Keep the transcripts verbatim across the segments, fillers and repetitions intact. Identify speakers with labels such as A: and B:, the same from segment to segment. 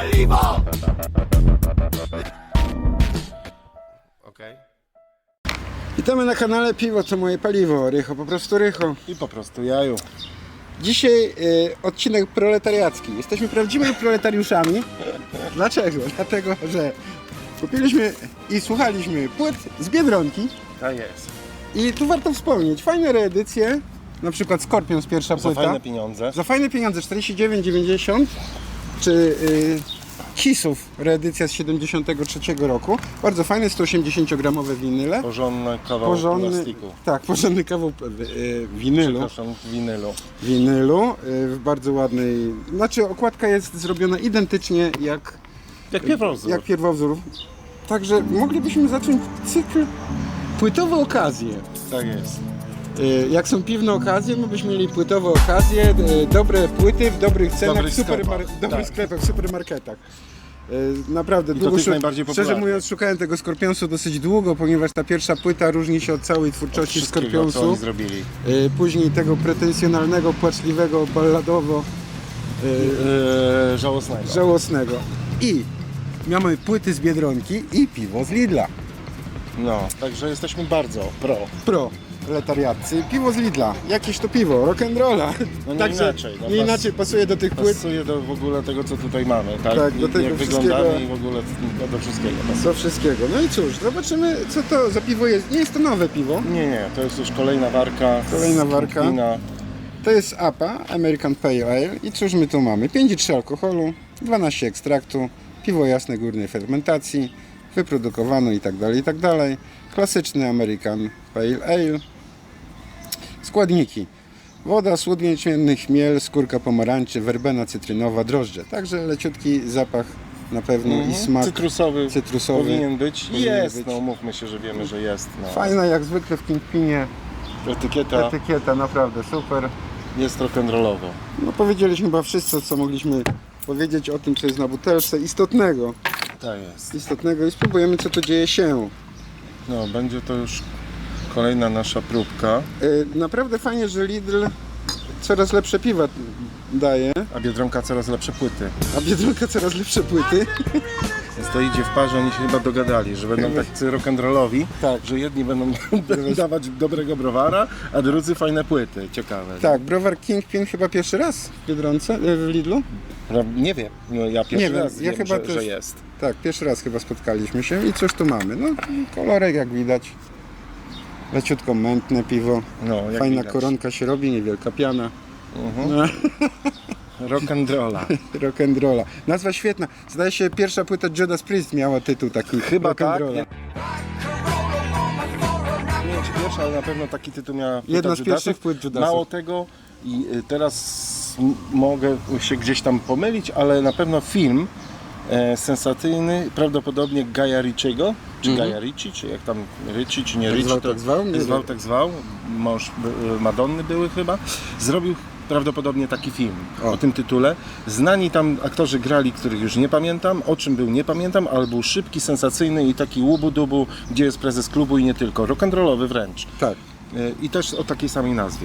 A: paliwo!
B: Okej.
C: Witamy na kanale Piwo to moje paliwo. Rycho, po prostu Rycho.
B: I po prostu jaju.
C: Dzisiaj y, odcinek proletariacki. Jesteśmy prawdziwymi proletariuszami. Dlaczego? Dlatego, że kupiliśmy i słuchaliśmy płyt z Biedronki.
B: Tak jest.
C: I tu warto wspomnieć, fajne reedycje. Na przykład Scorpions pierwsza
B: Za
C: płyta.
B: fajne pieniądze.
C: Za fajne pieniądze, czterdzieści dziewięć dziewięćdziesiąt. Czy y, Kissów reedycja z siedemdziesiątego trzeciego roku. Bardzo fajne sto osiemdziesiąt gramowe winyle.
B: Porządny kawał
C: Porządny,
B: plastiku.
C: tak, porządny kawał y, winylu.
B: Przepraszam, winylu.
C: winylu y, w bardzo ładnej, znaczy okładka jest zrobiona identycznie jak,
B: Jak pierwowzór.
C: jak pierwowzór. Także moglibyśmy zacząć cykl płytowe okazje.
B: Tak jest.
C: Y, Jak są piwne okazje, my byśmy mieli płytowe okazje, y, dobre płyty w dobrych cenach,
B: Dobrych
C: w super,
B: sklepach,
C: dobrych
B: tak.
C: sklepach, w supermarketach. Y, Naprawdę
B: to
C: długo
B: tych
C: szu-
B: najbardziej
C: Szczerze
B: popularnych.
C: mówiąc, szukałem tego Scorpionsu dosyć długo, ponieważ ta pierwsza płyta różni się od całej twórczości
B: Wszystkiego, co
C: Scorpionsu.
B: oni zrobili.
C: Y, Później tego pretensjonalnego, płaczliwego, balladowo, y,
B: Eee, żałosnego.
C: żałosnego. I mamy płyty z Biedronki i piwo z Lidla.
B: No, także jesteśmy bardzo pro.
C: Pro. Proletariatcy. Piwo z Lidla. Jakieś to piwo, rock'n'rolla.
B: No nie
C: Także
B: inaczej, no
C: nie
B: pas-
C: inaczej pasuje do tych płyt.
B: Pasuje do w ogóle tego, co tutaj mamy, tak?
C: Tak, do
B: I-
C: tego
B: jak
C: wszystkiego.
B: wyglądamy i w ogóle no, do wszystkiego pasuje.
C: Do wszystkiego. No i cóż, zobaczymy co to za piwo jest. Nie jest to nowe piwo.
B: Nie, nie, to jest już kolejna warka.
C: Kolejna
B: z
C: warka.
B: Kępina.
C: To jest A P A, American Pale Ale. I cóż my tu mamy? pięć przecinek trzy alkoholu, dwanaście ekstraktu, piwo jasne górnej fermentacji, wyprodukowano i tak dalej, i tak dalej. Klasyczny American Pale Ale. Składniki. Woda, słód jęczmienny, chmiel, skórka pomarańczy, werbena cytrynowa, drożdże. Także leciutki zapach na pewno
B: Mhm.
C: i smak
B: Cytrusowy,
C: cytrusowy.
B: powinien być.
C: powinien
B: Jest,
C: być.
B: no mówmy się, że wiemy, że jest. No.
C: Fajna jak zwykle w Kingpinie.
B: Etykieta
C: Etykieta naprawdę super.
B: jest rock'n'rollowo.
C: No powiedzieliśmy chyba wszystko, co mogliśmy powiedzieć o tym, co jest na butelce istotnego.
B: Tak jest.
C: Istotnego i spróbujemy, co to dzieje się.
B: No, będzie to już kolejna nasza próbka.
C: Yy, naprawdę fajnie, że Lidl coraz lepsze piwa daje,
B: A Biedronka coraz lepsze płyty.
C: a Biedronka coraz lepsze płyty.
B: Więc to idzie w parze, oni się chyba dogadali, że będą tacy rock'n'rollowi,
C: Tak.
B: że jedni będą dawać dobrego browara, a drudzy fajne płyty. Ciekawe.
C: Tak, browar Kingpin chyba pierwszy raz w Biedronce, yy, w Lidlu.
B: No, nie wiem, no, ja pierwszy
C: Nie wiem,
B: raz
C: ja
B: wiem,
C: chyba
B: że,
C: też-
B: że jest.
C: Tak, pierwszy raz chyba spotkaliśmy się i cóż tu mamy? No, kolorek jak widać. Leciutko mętne piwo.
B: No, jak
C: Fajna
B: widać.
C: koronka się robi, niewielka piana.
B: Mhm.
C: No.
B: Rock'n'rolla.
C: Rock'n'rolla. Nazwa świetna. Zdaje się pierwsza płyta Judas Priest miała tytuł taki.
B: Chyba tak.
C: rock'n'rolla.
B: Nie nie wiem czy pierwsza, ale na pewno taki tytuł miała płyta
C: Jedna z
B: Judasów.
C: pierwszych płyt Judasów.
B: Mało tego i y, teraz m- mogę się gdzieś tam pomylić, ale na pewno film e, sensacyjny, prawdopodobnie Gaja Ritchiego, czy
C: Mhm.
B: Gaja Ritchie, czy jak tam Ritchie, czy nie
C: Tak
B: Ritchie.
C: zwał,
B: to-
C: tak zwał? Nie
B: Zwał,
C: wiem.
B: tak zwał. Mąż y, Madonny były chyba. Zrobił prawdopodobnie taki film
C: O.
B: o tym tytule. Znani tam aktorzy grali, których już nie pamiętam, o czym był nie pamiętam, ale był szybki, sensacyjny i taki łubu-dubu, gdzie jest prezes klubu i nie tylko. Rock'n'rollowy wręcz.
C: Tak.
B: Y, I też o takiej samej nazwie.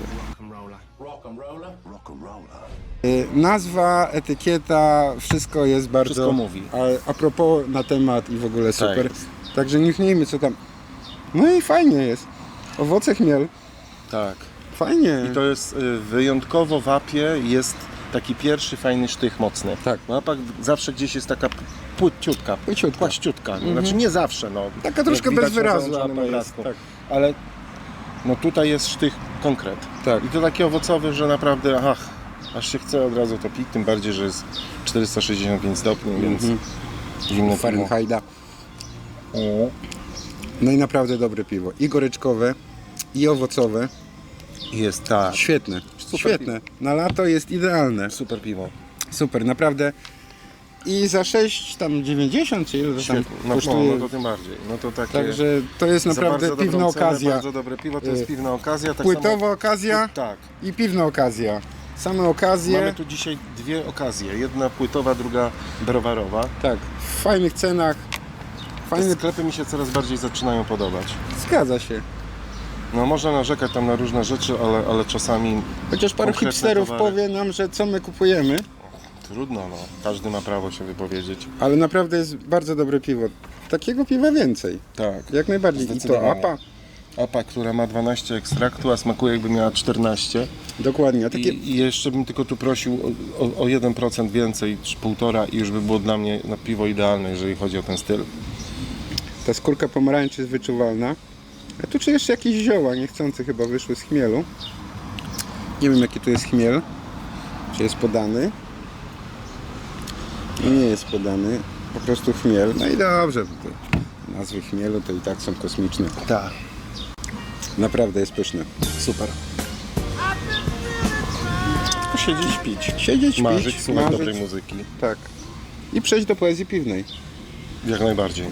C: Y, Nazwa, etykieta, wszystko jest bardzo...
B: Wszystko mówi.
C: A, a propos na temat i w ogóle super.
B: jest.
C: Także nie wnijmy co tam. No i fajnie jest. Owoce chmiel.
B: Tak.
C: Fajnie.
B: I to jest y, wyjątkowo w apie jest taki pierwszy fajny sztych mocny.
C: Tak.
B: W apach zawsze gdzieś jest taka płyciutka,
C: Płyciutka.
B: płaściutka. Znaczy nie zawsze, no.
C: Taka troszkę
B: Jak widać
C: bez wyrazu
B: na załączonym
C: apa jest,
B: obrazku.
C: tak.
B: Ale no tutaj jest sztych konkret.
C: Tak.
B: I to taki owocowy, że naprawdę ach, aż się chce od razu to pić, tym bardziej, że jest czterysta sześćdziesiąt pięć stopni, więc zimne piwo.
C: Fahrenheita.
B: O,
C: No i naprawdę dobre piwo. I goryczkowe, i owocowe.
B: Jest tak.
C: Świetne.
B: Super
C: Świetne. Na lato jest idealne.
B: Super piwo.
C: Super, naprawdę. I za sześć tam dziewięćdziesiąt czy ile to tam
B: Świetnie. No, no,
C: kosztuje.
B: no to tym bardziej. No to takie...
C: Także to jest
B: za
C: naprawdę
B: bardzo
C: piwna
B: dobrą cenę,
C: okazja.
B: Bardzo dobre piwo, to jest
C: Y,
B: piwna okazja. Tak
C: Płytowa
B: samo...
C: okazja
B: Tak.
C: i piwna okazja. Same okazje.
B: Mamy tu dzisiaj dwie okazje. Jedna płytowa, druga browarowa.
C: Tak, w fajnych cenach.
B: Te
C: Fajny...
B: sklepy mi się coraz bardziej zaczynają podobać.
C: Zgadza się.
B: No można narzekać tam na różne rzeczy, ale, ale czasami
C: Chociaż paru
B: konkretne
C: hipsterów
B: towary.
C: powie nam, że co my kupujemy.
B: Trudno, no. Każdy ma prawo się wypowiedzieć.
C: Ale naprawdę jest bardzo dobre piwo. Takiego piwa więcej.
B: Tak.
C: Jak najbardziej. I to
B: Zdecydowanie.
C: A P A.
B: A P A, która ma dwanaście ekstraktu, a smakuje jakby miała czternaście.
C: Dokładnie. A takie...
B: I, I jeszcze bym tylko tu prosił o, o, o jeden procent więcej, czy półtora i już by było dla mnie na piwo idealne, jeżeli chodzi o ten styl.
C: Ta skórka pomarańczy jest wyczuwalna. A tu czy jeszcze jakieś zioła niechcące chyba wyszły z chmielu. Nie wiem jaki tu jest chmiel. Czy jest podany. I nie jest podany. Po prostu chmiel. No i dobrze. Te nazwy chmielu to i tak są kosmiczne.
B: Tak.
C: Naprawdę jest pyszne.
B: Super. Tylko siedzieć, pić.
C: Siedzieć,
B: Marzyć,
C: pić,
B: słuchać
C: marzyć.
B: dobrej muzyki.
C: Tak. I przejść do poezji piwnej.
B: Jak najbardziej.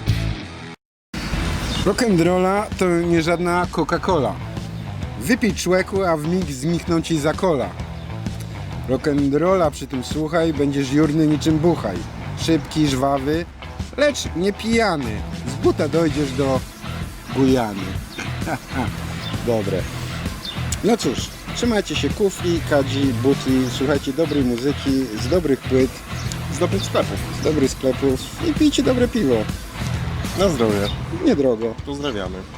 C: Rock'n'rolla to nie żadna Coca-Cola. Wypij człeku, a w mig znikną ci za kola. Rock'n'rolla przy tym słuchaj, będziesz jurny niczym buchaj. Szybki, żwawy, lecz nie pijany. Z buta dojdziesz do Gujany. Dobre. No cóż, trzymajcie się kufli, kadzi, butli, słuchajcie dobrej muzyki, z dobrych płyt,
B: Z dobrych sklepów.
C: z dobrych sklepów i pijcie dobre piwo.
B: Na zdrowie.
C: Niedrogo.
B: Pozdrawiamy.